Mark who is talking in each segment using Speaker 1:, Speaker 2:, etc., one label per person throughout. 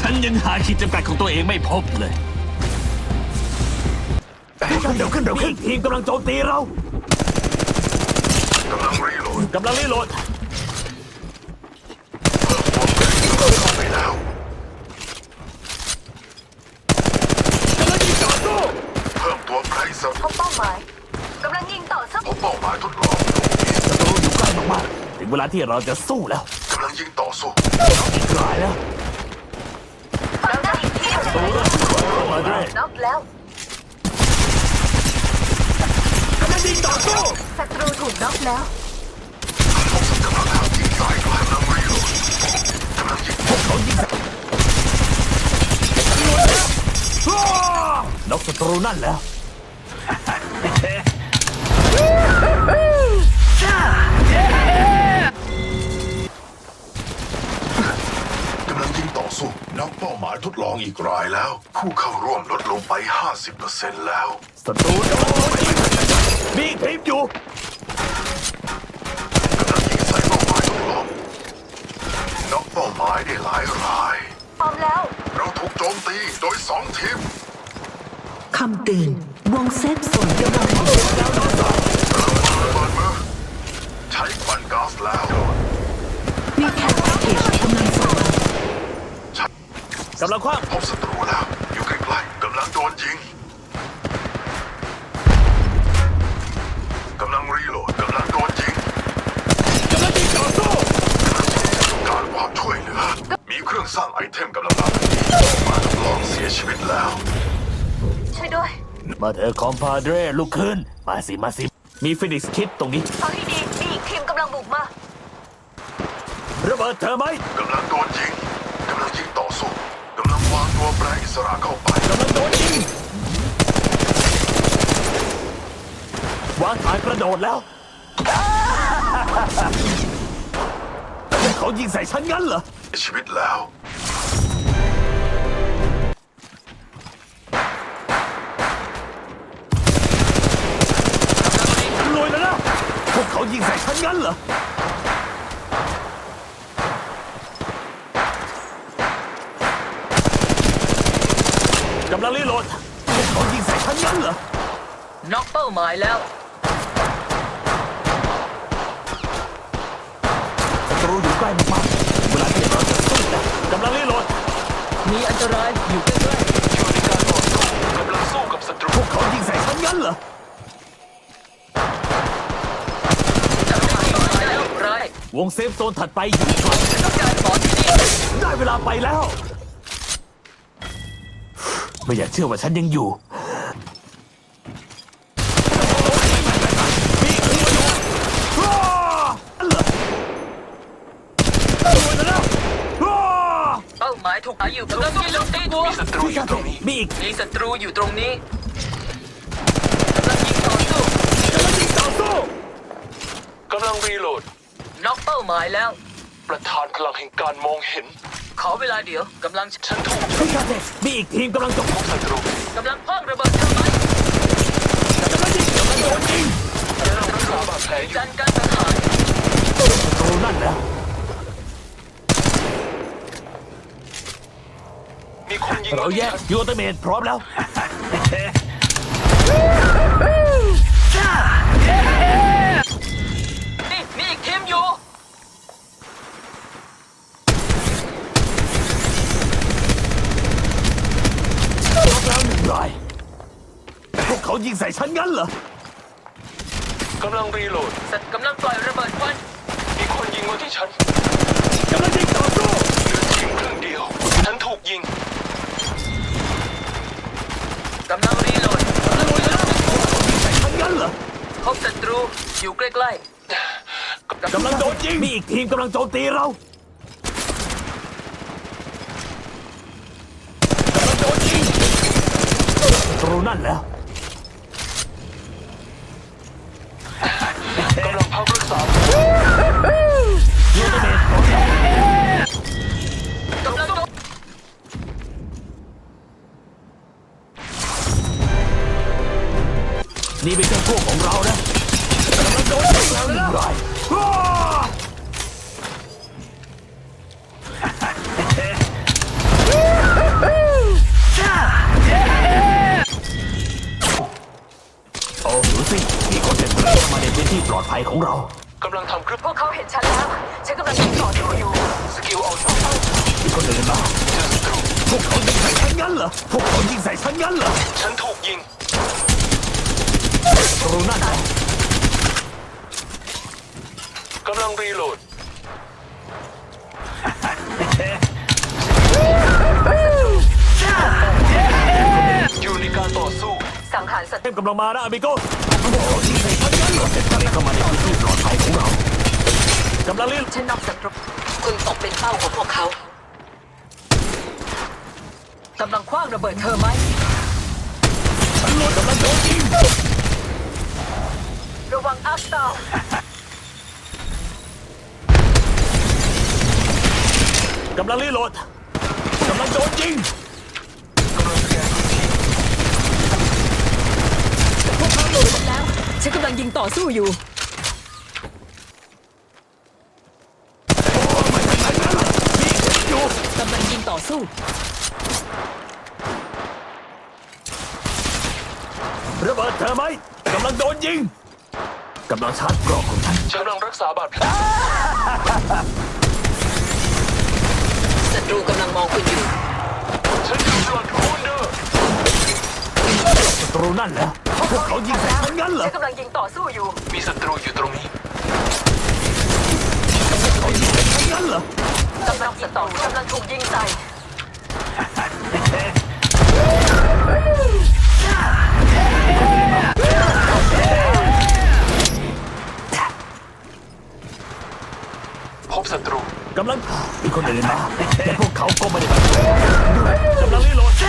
Speaker 1: ฉันยังหาขีดจำกัดของตัวเองไม่พบเลยเร็วขึ้นทีมกำลังโจมตีเรา
Speaker 2: กำลังรีโหลด
Speaker 1: กำลังรีโหลด
Speaker 2: เข้าไปแล้ว
Speaker 1: กำลังยิงต่อสู้
Speaker 2: เพิ่มตัวไพรส์
Speaker 3: พบเป้าหมายกำลังยิงต่อสู้
Speaker 2: พบเป้าหมายทดลอง
Speaker 1: ศัตรูอยู่ใกล้มากๆถึงเวลาที่เราจะสู้แล้ว
Speaker 2: กำลังยิงต่อสู้
Speaker 1: อีกรายแล้ว
Speaker 3: ฝั่งนั้นอีกทีม
Speaker 1: มาด้วย
Speaker 3: น็อกแล้ว
Speaker 1: กำลังยิงต่อสู้
Speaker 3: ศัตรูถูกน็อกแล้ว
Speaker 2: พบกำลังหายิงสายกำลังรีโหลดกำลังยิง
Speaker 1: พวกเขายิงน็อกศัตรูนั่นแล้ว
Speaker 2: กำลังยิงต่อสู้นักเป้าหมายทดลองอีกรายแล้วผู้เข้าร่วมลดลงไป 50% แล้ว
Speaker 1: ศัตรูมีทีมอยู่
Speaker 2: กำลังยิงใส่เป้าหมายทดลองนักเป้าหมายได้หลายราย
Speaker 3: พร้อมแล้ว
Speaker 2: เราถูกโจมตีโดย2 ทีม
Speaker 4: คำเตือนวงเซฟโซนกำลัง
Speaker 2: ระเบิดมือใช้ควันก๊าซแล้ว
Speaker 4: มีแคปเกจกำลังส่งม
Speaker 1: ากำลังคว้าง
Speaker 2: พบศัตรูแล้วอยู่ใกล้ๆกำลังโดนยิงกำลังรีโหลดกำลังโดนยิง
Speaker 1: กำลังยิงต่อสู้
Speaker 2: การความช่วยเหลือมีเครื่องสร้างไอเทมกำลังมาทดลองเสียชีวิตแล้ว
Speaker 3: ช่วยด้วย
Speaker 1: มาเถอะคอมพาเดรลุกขึ้นมาสิมีฟินิกส์คิดตรงนี้
Speaker 3: เอาให้ดีมีอีกทีมกำลังบุกมา
Speaker 1: ระเบิดเธอไหม
Speaker 2: กำลังโดนยิงกำลังยิงต่อสู้กำลังวางตัวแปรอิสระเข้าไป
Speaker 1: กำลังโดนยิงวางฐานกระโดดแล้วเขายิงใส่ฉันงั้นเหรอ
Speaker 2: ชีวิตแล้ว
Speaker 1: รวยแล้วนะพวกเขายิงใส่ฉันงั้นเหรอกำลังรีโหลดพวกเขายิงใส่ฉันงั้นเหรอ
Speaker 3: น็อกเป้าหมายแล้ว
Speaker 1: ศัตรูอยู่ใกล้มากๆเวลาที่เราจะสู้แล้วกำลังรีโหลด
Speaker 3: มีอันตรายอยู่ใกล้
Speaker 2: ๆอยู่ในการต่อสู้กำลังสู้กับศัตรู
Speaker 1: พวกเขายิงใส่ฉันงั้นเหรอวงเซฟโซนถัดไปอยู่ไกล
Speaker 3: ต้องการบอลที่นี่
Speaker 1: ได้เวลาไปแล้วไม่อยากเชื่อว่าฉันยังอยู่
Speaker 3: เป้าหมายถูกหาอยู่กำลังยิงลงตีตัว
Speaker 2: มีศัตรูอยู่ตรงนี้
Speaker 3: มีศัตรูอยู่ตรงนี้กำลังยิงต่อสู้
Speaker 2: กำลังรีโหลด
Speaker 3: น็อกเป้าหมายแล้ว
Speaker 2: ประธานพลังแห่งการมองเห็น
Speaker 3: ขอเวลาเดี๋ยวกำลัง
Speaker 2: ฉันถูก
Speaker 1: มีอีกทีมกำลังจบ
Speaker 2: ศัตรู
Speaker 3: กำลังพ่องระเบิดทำไม
Speaker 1: กำลังโดนยิง
Speaker 2: กำลังรักษาบาดแผลอยู่
Speaker 3: จันการสังหาร
Speaker 1: โอ้นั่นแล้ว
Speaker 2: มีคนยิง
Speaker 1: เราแยกยูอัลติเมทพร้อมแล้ว
Speaker 3: นี่มีอีกทีมอยู่
Speaker 1: ล็อกแล้ว1 รายพวกเขายิงใส่ฉันงั้นเหรอก
Speaker 2: ำลังรีโหลด
Speaker 3: สัตว์กำลังปล่อยระเบิดควัน
Speaker 2: มีคนยิงมาที่ฉัน
Speaker 1: กำลังยิงต่อสู้
Speaker 2: เหลือทีมครึ่งเดียวฉันถูกยิง
Speaker 3: กำลังรีโหลด
Speaker 1: ยิงใส่ฉันงั้นเหรอ
Speaker 3: พบศัตรูอยู่ใกล้
Speaker 1: กำลังโดนยิงมีอีกทีมกำลังโจมตีเราศัตรูนั่นแล้ว
Speaker 2: กำลังพักรักษา
Speaker 1: ยูเตเมท
Speaker 3: กำลัง
Speaker 1: นี่เป็นแค่พวกของเรานะกำลังโดนยิงแล้วนะยของเรา
Speaker 3: กำลังทำคลิป
Speaker 5: พวกเขาเห็นฉันแล้ว ฉันกำลังยิงต่อสู้อยู่
Speaker 3: สกิลเอาสอง
Speaker 1: มีคนเดินมา
Speaker 3: เจอศัตรู
Speaker 1: พวกเขายิงใส่ฉันงั้นเหรอพวกเขายิงใส่ฉันงั้นเหรอ
Speaker 3: ฉันถูกยิง
Speaker 1: ศัตรูนั่นเหรอก
Speaker 3: ำลังรีโหลดอยู่ในการต่อสู้
Speaker 5: สังหารศัต
Speaker 1: เท
Speaker 5: รู
Speaker 1: พกำลังมานะอาบิโก้พวกเขายิงใส่ฉันงั้นเหรอเสร็จแล้วเข้ามาในพื้นที่ปลอดภัยของเรากำลังรีบ
Speaker 5: ฉันนอกศัตรู
Speaker 4: คุณตกเป็นเป้าของพวกเขา
Speaker 5: กำลังคว้างระเบิดเธอไหม
Speaker 1: ตำรวจกำลังโดนยิง
Speaker 5: ระวังอัพดาว
Speaker 1: กำลังรีโหลดกำลังโดนยิง
Speaker 5: พวกเขาโดนฉันแล้ว ฉันกำลังยิงต่อสู้อยู่
Speaker 1: อยู่
Speaker 5: กำลังยิงต่อสู้
Speaker 1: ระเบิดเธอไหมกำลังโดนยิงกำลังชาร์จกรอกของฉัน
Speaker 3: ฉันกำลังรักษาบาดแผล
Speaker 4: ศัตรูกำลังมองคุณอยู่
Speaker 3: ฉันอยู่บลัดคูนเดอร์
Speaker 1: ศัตรูนั่นเหรอพวกเขายิงใส่ฉันงั้นเหรอ
Speaker 5: ฉันกำลังยิงต่อสู้อยู่
Speaker 3: มีศัตรูอยู่ตรงนี้
Speaker 1: เขายิงใส่ฉันงั้นเหรอก
Speaker 5: ำลังยิงต่อสู้กำลังถูกยิงใส่
Speaker 3: พบศัตรู
Speaker 1: กำลังมีคนเดินมาแต่พวกเขาก็ไม่ได้มาช่วยกำลังรีโหลด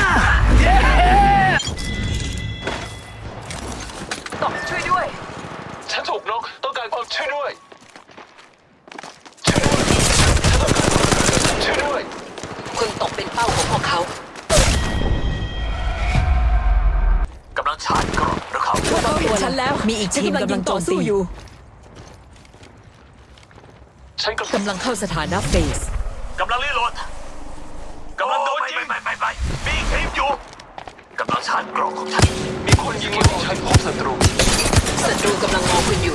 Speaker 5: ต่อช่วยด้วย
Speaker 3: ฉันถูกน็อกต้องการความช่วยด้วย ช่วยด้วย
Speaker 4: คุณตกเป็นเป้าของพวกเขา
Speaker 1: กำลังชาร์จกรอกหรือเขา
Speaker 5: พวกเขาเห็นฉันแล้ว
Speaker 4: มีอีกทีมกำลังโจมตี
Speaker 5: ฉันกำลังยิงต่อสู้อยู่
Speaker 3: ฉันกำลัง
Speaker 5: กำลังเข้าสถานะเฟส
Speaker 1: กำลังรีโหลดกำลังโดนยิงไปมีอีกทีมอยู่กำลังชาร์จกรอกของฉัน
Speaker 3: มีคนยิงมาที่ฉันพบศัตรู
Speaker 4: ศัตรูกำลังมองคุณอยู่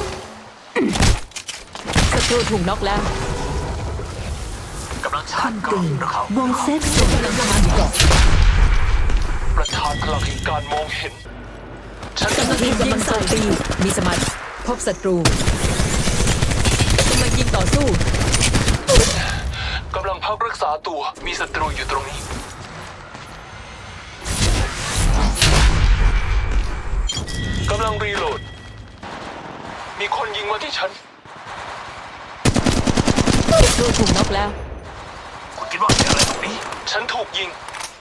Speaker 5: ศัตรูถูกน็อกแล้ว
Speaker 1: กำลังชาร์จกรอกหรือเขา
Speaker 4: วงเซฟโซน
Speaker 5: กำลังทำงานอยู่ก่อน
Speaker 3: ประธานพลังแห่งการมองเห็น ฉัน
Speaker 5: กำลัง
Speaker 4: ที
Speaker 5: ยิ
Speaker 4: ม
Speaker 5: ง
Speaker 4: กำลังโจมตี
Speaker 5: มีสมาธิพบศัตรูกำลังยิงต่อสู้
Speaker 3: กำลังพักรักษาตัว มีศัตรูอยู่ตรงนี้ กำลังรีโหลด มีคนยิงมาที่ฉัน
Speaker 5: ศัตรูถูกน็อกแล้ว
Speaker 1: คุณคิดว่ามีอะไรตรงนี้
Speaker 3: ฉันถูกยิง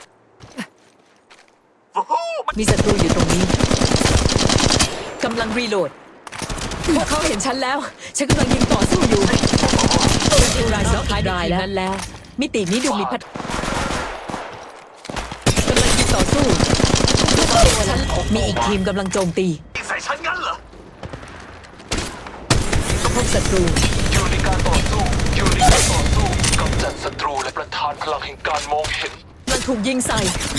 Speaker 1: โอ้โหมัน
Speaker 5: มีศัตรูอยู่ตรงนี้ กำลังรีโหลด พวกเขาเห็นฉันแล้ว ฉันกำลังยิงต่อสู้อยู่ศัตรูรายสุดท้ายได้นั้นแล้ว มิตินี้ดูมีพัฒกำลังยิงต่อสู้พวกเขาเห็นฉันมีอีกทีมกำลังโจมตี
Speaker 1: ยิงใส่ฉันงั้นเหรอ
Speaker 5: พบศัตรู
Speaker 3: อยู่ในการต่อสู้ อยู่ในการต่อสู้กำจัดศัตรูและประธานพลังแห่งการมองเห็น
Speaker 5: มันถูกยิงใส่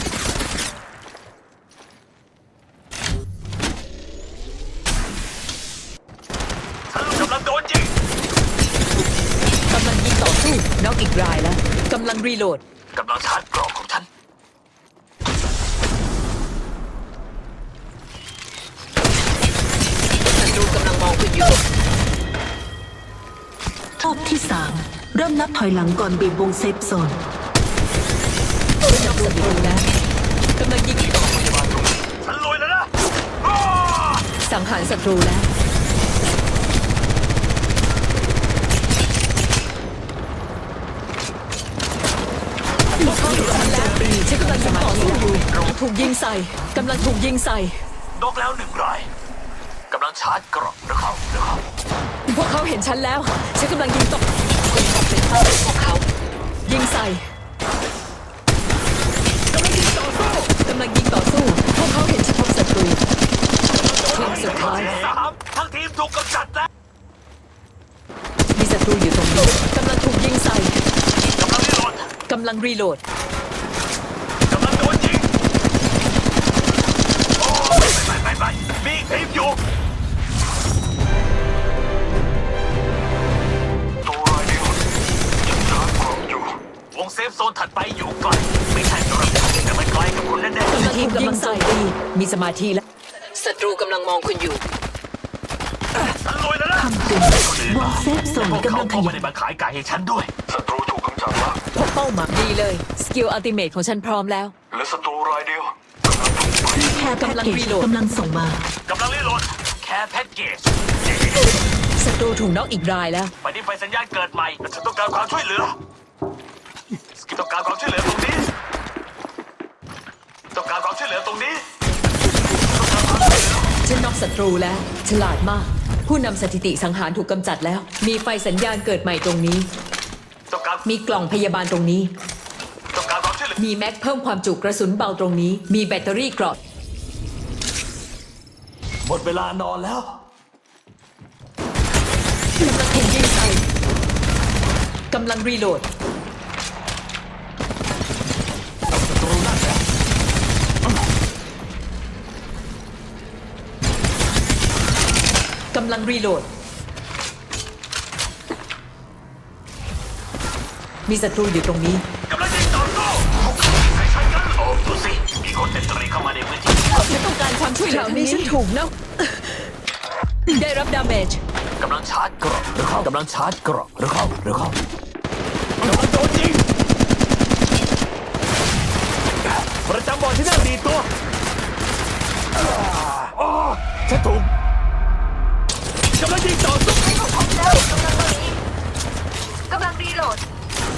Speaker 1: ฉันกำลังโดนยิง
Speaker 5: กำลังยิงต่อสู้น็อกอีกรายแล้วกำลังรีโหลด
Speaker 1: กำลังชาร์จกรอกของฉัน
Speaker 4: ศัตรูกำลังมองคุณอยู่
Speaker 6: รอบที่ 3 เริ่มนับถอยหลังก่อนบีบวงเซฟโซน
Speaker 5: น็อกศัตรูแล้วกำลังยิงต่อ
Speaker 1: ฉันรวยแล้วนะอ้า
Speaker 5: สังหารศัตรูแล้วพวกเขาเห็นฉันแล้วฉันกำลังยิงต่อสู้อยู่ถูกยิงใส่กำลังถูกยิงใส่
Speaker 1: นกแล้วหนึ่งรายกำลังชาร์จกรอกหรือเขา
Speaker 5: พวกเขาเห็นฉันแล้ว ฉันกำลังยิงต่อ
Speaker 4: คุณตกเป็นเป้าของพวกเขา
Speaker 5: ยิงใส่กำลังยิงต่อสู้พวกเขาเห็นฉันพบศัตรูทีมสุดท้าย
Speaker 1: 3ทั้งทีมถูกกำจัดแล้ว
Speaker 5: มีศัตรูอยู่ตรงนี้กำลังถูกยิงใส่
Speaker 1: กำลังรีโหลด
Speaker 5: กำลังรีโหลด
Speaker 1: กำลังโดนยิงโอ้ไม่มีอีกทีมอยู่เซฟโซนถัดไปอยู่ไกลไม่ใช่สำหรับฉันแต่มันไกลกับคุณแน่
Speaker 5: ทีมกำลังโจมตีมีสมาธิแล้วศัตรูกำลังมองคุณอยู่
Speaker 1: ๆฉันรวยแล้วนะ
Speaker 4: คำเตือนวงเซฟโซน
Speaker 1: พวก
Speaker 4: กำ
Speaker 1: เขา
Speaker 4: ลังข
Speaker 1: ก็ไม่
Speaker 4: ยับ
Speaker 1: ได้มาขายไก่ให้ฉันด้วย
Speaker 2: ศัตรูถูกกำจัดแล้ว
Speaker 5: พบเป้าหมายดีเลยสกิลอัลติเมทของฉันพร้อมแล้ว
Speaker 2: และศัตรูรายเดียว
Speaker 4: แค่แพ็กเกจกำลังส่งมา
Speaker 1: กำลังรีโหลดแค่แพ็กเกจ
Speaker 5: ศัตรูถูกน็อกอีกรายแล้ว
Speaker 1: ไปที่ไฟสัญญาณเกิดใหม่แต่ฉันต้องการความช่วยเหลือสกิลต้องการความช่วยเหลือตรงนี้ต้องการความช่วยเหลือตรงนี้ต้องการความช่วยเหลือ
Speaker 5: ฉันน็อกศัตรูแล้ว ฉลาดมาก ผู้นำสถิติสังหารถูกกำจัดแล้ว มีไฟสัญญาณเกิดใหม่ตรงนี้
Speaker 1: ต้องการ
Speaker 5: มีกล่องพยาบาลตรงนี้
Speaker 1: ต้องการความช่วยเหลือ
Speaker 5: มีแม็กเพิ่มความจุกระสุนเบาตรงนี้ มีแบตเตอรี่เกราะ
Speaker 1: หมดเวลานอนแล้ว
Speaker 5: กำลังถูกยิงใส่กำลังรีโหลด กำลังรีโหลด มีศัตรูอยู่ตรงนี้
Speaker 1: กำลังยิงต่อสู้ใส่ฉันกันโอ้ดูสิมีคนเต็มตรีเข้ามาในพื้นที่
Speaker 5: ฉันต้องการความช่วยเหลือทางนี้ฉันถูกนะได้รับดาเมจ
Speaker 1: กำลังชาร์จเกราะหรือเข้ากำลังชาร์จเกราะหรือเข้ากำลังโดนยิงประจำบอลที่นั่งดีตัวอ๋อฉันถูกกำลังยิงต่อสู้
Speaker 7: กำลังรีโหลด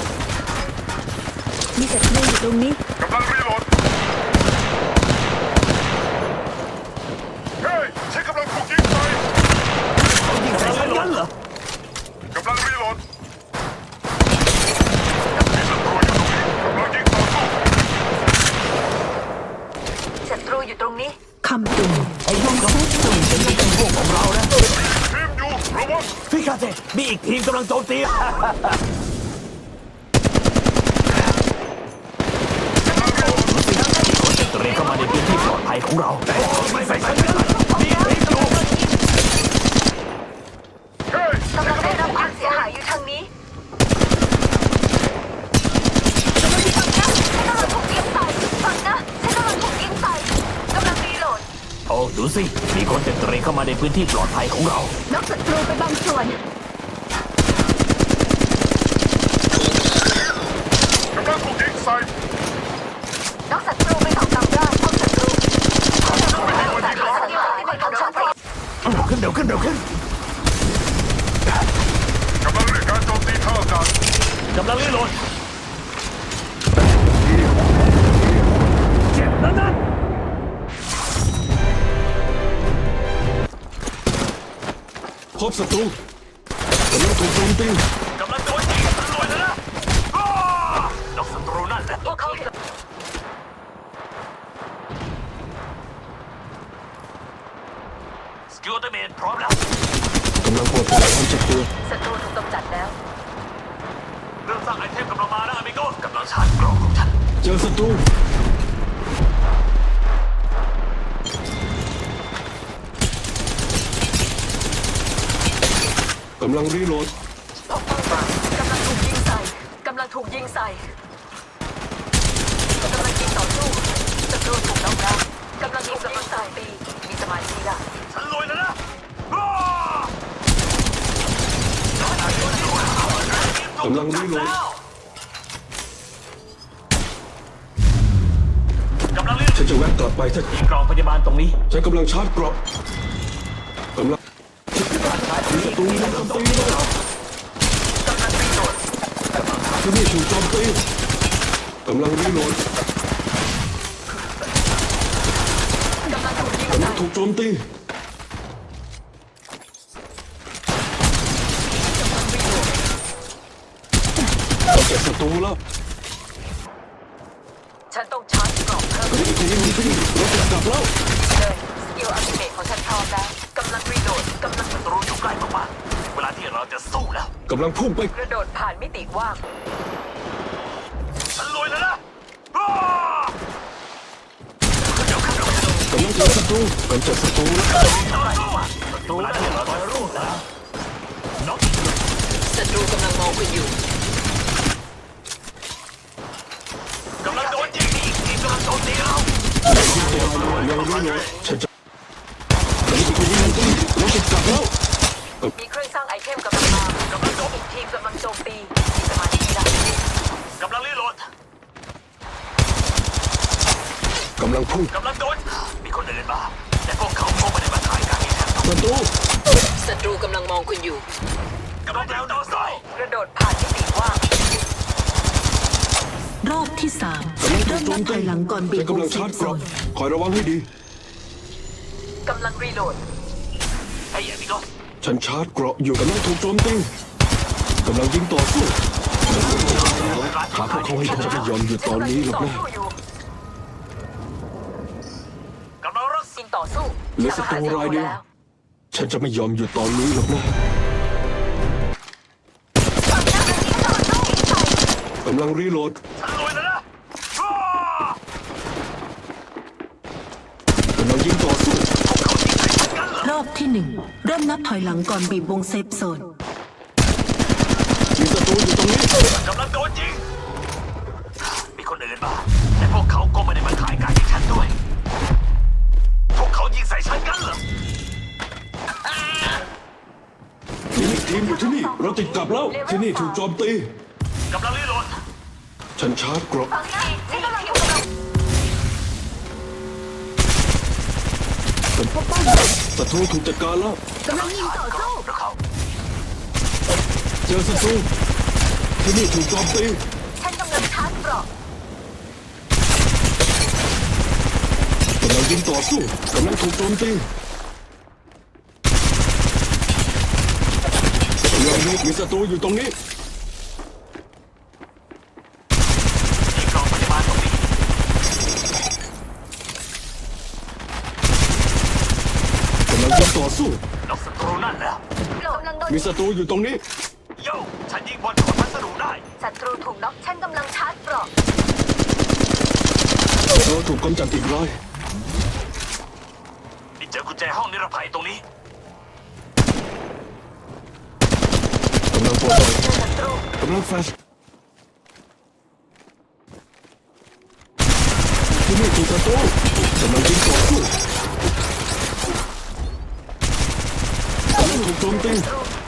Speaker 4: มีศัตรูอยู่ตรงนี้
Speaker 2: กำลังรีโหลดเฮ้ยฉันกำลังถูกยิงใส่
Speaker 1: ยิงใส่ฉันงั้นเหรอก
Speaker 2: ำลังรีโหลดมีศัตรูอยู่ตรงนี้กำลังยิงต่อสู้
Speaker 7: ศัตรูอยู่ตรงนี้
Speaker 4: คำเตือนวงเซฟโซน
Speaker 1: นี่เป็นพวกของเรานะ
Speaker 2: ทีมอยู่ระวัง
Speaker 1: พี่คาเซมีอีกทีมกำลังโจมตีเตรียมเข้ามาในพื้นที่ปลอดภัยของเราไม่ใส่ฉันกันมีทีมอยู่
Speaker 2: เฮ้ย
Speaker 7: กำลังได้รับความเสียหายอยู่ทางนี้กำลังถูกยิงใส่ฟังนะฉันกำลังถูกยิงใส่กำลังรีโหลด
Speaker 1: โอ้ดูสิมีคนเตรียมเข้ามาในพื้นที่ปลอดภัยของเรา
Speaker 7: นกศัตรูไปบางส่วน
Speaker 2: กำลังถูกยิงใส่
Speaker 7: นกศัตรูไปสองลำได้พบศัตรูของฉัน
Speaker 1: เร็วขึ้น
Speaker 2: กำลังเรียกการโจมตีท่าอากาศ
Speaker 1: กำลังรีโหลดเจ็บนั่น
Speaker 8: พบศัตรูกำลังถูกโจมตี
Speaker 1: กำลังโดนยิงตำรวจแล้วนะอ้านกศัตรูนั่นแหละ
Speaker 7: พวกเขาเห็น
Speaker 1: สกิลอัลติเมทพร้อมแล้ว
Speaker 8: กำลังปลดปล่อยความเจ็บตัว
Speaker 7: ศัตรูถูกกำจัดแล้ว
Speaker 1: เรื่องสร้างไอเทมกำลังมานะอเมโก้กำลังชาร์จกล่องของฉัน
Speaker 8: เจอศัตรูกำลังรีโหลด
Speaker 5: พบเป้าหมายกำลังถูกยิงใส่กำลังถูกยิงใส่กำลังยิงต่อสู้ศัตรูถูกน็อกแล้วกำลังถูกยิงใส่ปีมีสมาธิละ
Speaker 1: ฉันรวยแล้วนะอ้าก
Speaker 8: ำลังรีโหลด
Speaker 1: กำลังรีโหล
Speaker 8: ฉัน
Speaker 1: ด
Speaker 8: จะแวะกลับไปถ้า
Speaker 1: มีกล่องพยาบาลตรงนี้
Speaker 8: ฉันกำลังชาร์จเกราะกำลังศัตรูโจมตีแล้วที่นี่ถูกโจมตีกำลังรีโหลดกำลังถูกโจมตีต้องเก็บศัตรูแล้ว
Speaker 5: ฉันต้องชาร์จกล่องเพิ่ม
Speaker 8: พี่รถจะกลับแล้ว
Speaker 5: เลยสกิลอัลติเมทของฉันพร้อมแล้วกำลังรีโหลดกำลัง
Speaker 1: ศัตรูอยู่ใกล้มากๆเวลาที่เราจะสู้แล้ว
Speaker 8: กำลังพุ่งไป
Speaker 5: กระโดดผ่านมิติว่าง
Speaker 1: ฉันรวยแล้วนะอ้าก
Speaker 8: ำลังเจอศัตรูกำจัดศัตรูแล้ว
Speaker 1: ศัตรูเวลาที่เราจะรู้แล้วน็อก
Speaker 5: ศัตรูกำลังมองคุณอยู่
Speaker 8: ยังไม่หมดฉันจะเป็นคนยิงตีเราจะกลับแล้ว
Speaker 5: มีเครื่องสร้างไอเทมกำลังมากำลังโจมอีกทีมกำลังโจมตีมีสมาธิได้
Speaker 1: กำลังรีโหลด
Speaker 8: กำลังพุ่ง
Speaker 1: กำลังโดนมีคนอื่นมาแต่พวกเขาคงไม่ได้มาถ่ายการที่แทน
Speaker 8: ประตู
Speaker 5: ศัตรูกำลังมองคุณอยู่
Speaker 1: กำลังแล้วต่อสู้
Speaker 5: กระโดดผ่านมิติว่าง
Speaker 6: รอบที่สามเริ่มนับถอยหลังก่อนบีบ
Speaker 8: ฉัน
Speaker 6: วง
Speaker 8: กำลัง
Speaker 6: เซ
Speaker 8: ชา
Speaker 6: ฟ
Speaker 8: ร์จ
Speaker 6: โซ
Speaker 8: กรอบ
Speaker 6: น
Speaker 8: คอยระวังให้ดี
Speaker 5: กำลังรีโหลด
Speaker 1: ไอ้เหี้ยพี่ก็
Speaker 8: ฉันชาร์จเกราะอยู่กำลังถูกโจมตีกำลังยิงต่อสู้หาพวกเขาให้พบจะยอมหยุดตอนนี้หรอกนะ
Speaker 1: กำลังรัก
Speaker 5: ยิงต่อสู้
Speaker 8: เหลือศัตรูรายเดียวฉันจะไม่ยอมหยุดตอนนี้หรอกนะกำลังรีโหลด
Speaker 1: ฉันรวยแล้วนะอ้าก
Speaker 8: ำลังยิงต่อสู้
Speaker 6: รอบที่หนึ่งเริ่มนับถอยหลังก่อนบีบวงเซฟโซน
Speaker 8: มีศัตรูอยู่ตรงนี้
Speaker 1: กำลังโดนยิงมีคนอื่นมาแต่พวกเขาก็ไม่ได้มาถ่ายการที่ฉันด้วย พวกเขายิงใส่ฉันกันเหรอ
Speaker 8: มีอีกทีมอยู่ที่นี่เราติดกลับแล้วที่นี่ถูกโจมตี
Speaker 1: กำลังรีโหลด
Speaker 8: ฉันชาร์จเกราะ
Speaker 7: ฝั่งนะฉันกำลังอยู่กับ
Speaker 8: ศัตรูถูกจัดการแล้ว
Speaker 7: กำลังยิงต่อสู้
Speaker 1: พวกเขา
Speaker 8: เจอศัตรูที่นี่ถูกโจมตี
Speaker 7: ฉันกำลังชาร์จเกราะ
Speaker 8: กำลังยิงต่อสู้กำลังถูกโจมตีกำลังมีศัตรูอยู่ตรงนี้
Speaker 1: ยิงกล่องพยาบาลตรงนี้
Speaker 8: กำลังยิงต่อสู้
Speaker 1: นกศัตรูนั่นแล้ว
Speaker 7: กำลังโดน
Speaker 8: มีศัตรูอยู่ตรงนี้
Speaker 1: โย่ฉันยิงบอลขนพัสดุได้
Speaker 7: ศัตรูถูกน็อกฉันกำลังชาร์จเกราะ
Speaker 8: เราถูกกำจัดอีกราย
Speaker 1: นี่เจอกุญแจห้องนิรภัยตรงนี้
Speaker 8: กำลังปลดปล่อยกำลังแฟลชที่นี่ถูกศัตรูกำลังยิงต่อสู้กำลังถูกโจมตี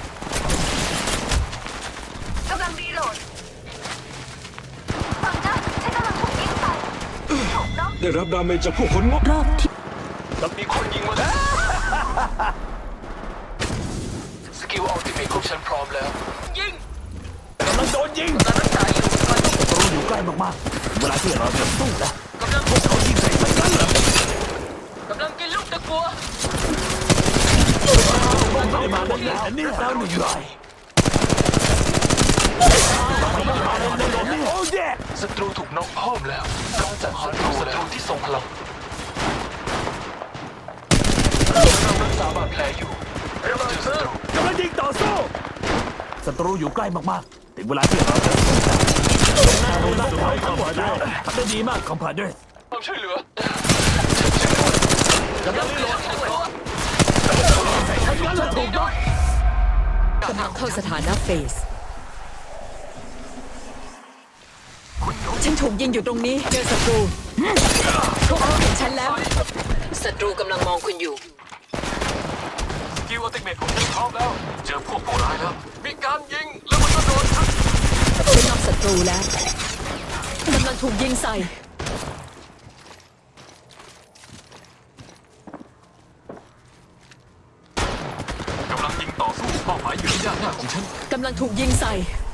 Speaker 7: กำลังรีโหลดฝั่งนะฉันกำลังถูกยิงใส่ถูกน็อก
Speaker 8: ได้รับดาเมจจากพวกคนงก
Speaker 6: รอบที่
Speaker 3: แล้วมีคนยิงมาแล้วสกิลอัลติเมทของฉันพร้อมแล้ว
Speaker 1: กำลังโดนยิง
Speaker 5: กำลังรักษาอยู่
Speaker 1: ศัตรูอยู่ใกล้มากๆเวลาที่เราจะสู้แล้วกำลังพวกเขายิงใส่ฉันกันเหรอก
Speaker 5: ำลังกินลูกตะกัว
Speaker 1: ไม่ได้มาแล้วแล้วหนึ่งรายโอ้แย่
Speaker 3: ศัตรูถูกน็อกเพิ่มแล้วกำจัดศัตรูที่ทรงพลังเรารักษาบาดแผลอยู่เจอศัตรู
Speaker 1: กำลังยิงต่อสู้ศัตรูอยู่ใกล้มากๆถึงเวลาที่เราจะสู้แล้วเราได้ทั้งหมดแล้วทำได้ดีมากคอมพาเดอร์
Speaker 3: ความช่วยเหลือก
Speaker 1: ำลังรีโหลด
Speaker 5: กำลังเข้าสถานะเฟส ฉันถูกยิงอยู่ตรงนี้ เจอศัตรู พวกเขาเห็นฉันแล้ว ศัตรูกำลังมองคุณอยู่
Speaker 3: สกิลอัลติเมทของฉันพร้อมแล้ว เจอพวกผู้ร้ายแล้ว มีการยิงแล้วมันก็โดนทัก
Speaker 5: ฉันนอกศัตรูแล้ว กำลังถูกยิงใส่
Speaker 3: กำลังยิงต่อสู้เป้าหมายอยู่ที่ด้านหน้าของฉัน
Speaker 5: กำลังถูกยิงใส่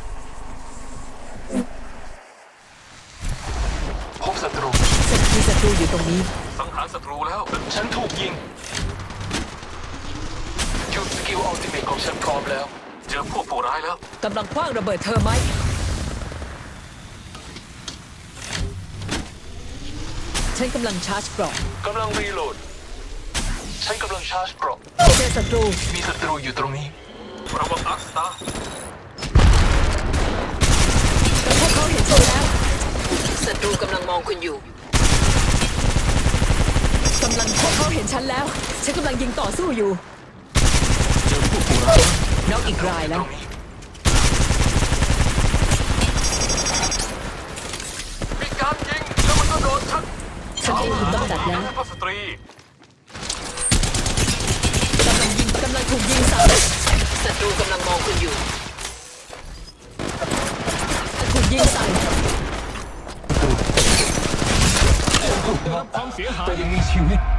Speaker 3: พบศัตรู
Speaker 5: มีศัตรูอยู่ตรงนี้
Speaker 3: สังหารศัตรูแล้ว ฉันถูกยิงหยุดสกิลอัลติเมทของฉันพร้อมแล้ว เจอพวกผู้ร้ายแล้ว
Speaker 5: กำลังคว้างระเบิดเธอไหม ฉันกำลังชาร์จเกราะ
Speaker 3: กำลังรีโหลด ฉันกำลังชาร์จเกราะ
Speaker 5: เจอศัตรู
Speaker 3: มีศัตรูอยู่ตรงนี้ระวังอักสตาร์
Speaker 5: พวกเขาเห็นฉันแล้ว ศัตรูกำลังมองคุณอยู่ กำลังพวกเขาเห็นฉันแล้ว ฉันกำลังยิงต่อสู้อยู่
Speaker 3: เจอพวกผู้ร้าย
Speaker 5: น็อกอีกรายแล้ว
Speaker 3: มีการยิงแล้วมันก็โดนทัก
Speaker 5: ฉศัตรูถูกกำจัดแล้ว
Speaker 3: สุภาพสตรี
Speaker 5: กำลังถูกยิงใส่ศัตรูกำลังมองคุณอยู่ถูกยิงใส่
Speaker 3: ได้รับความเสียหาย
Speaker 8: แต่ยังมีชีวิต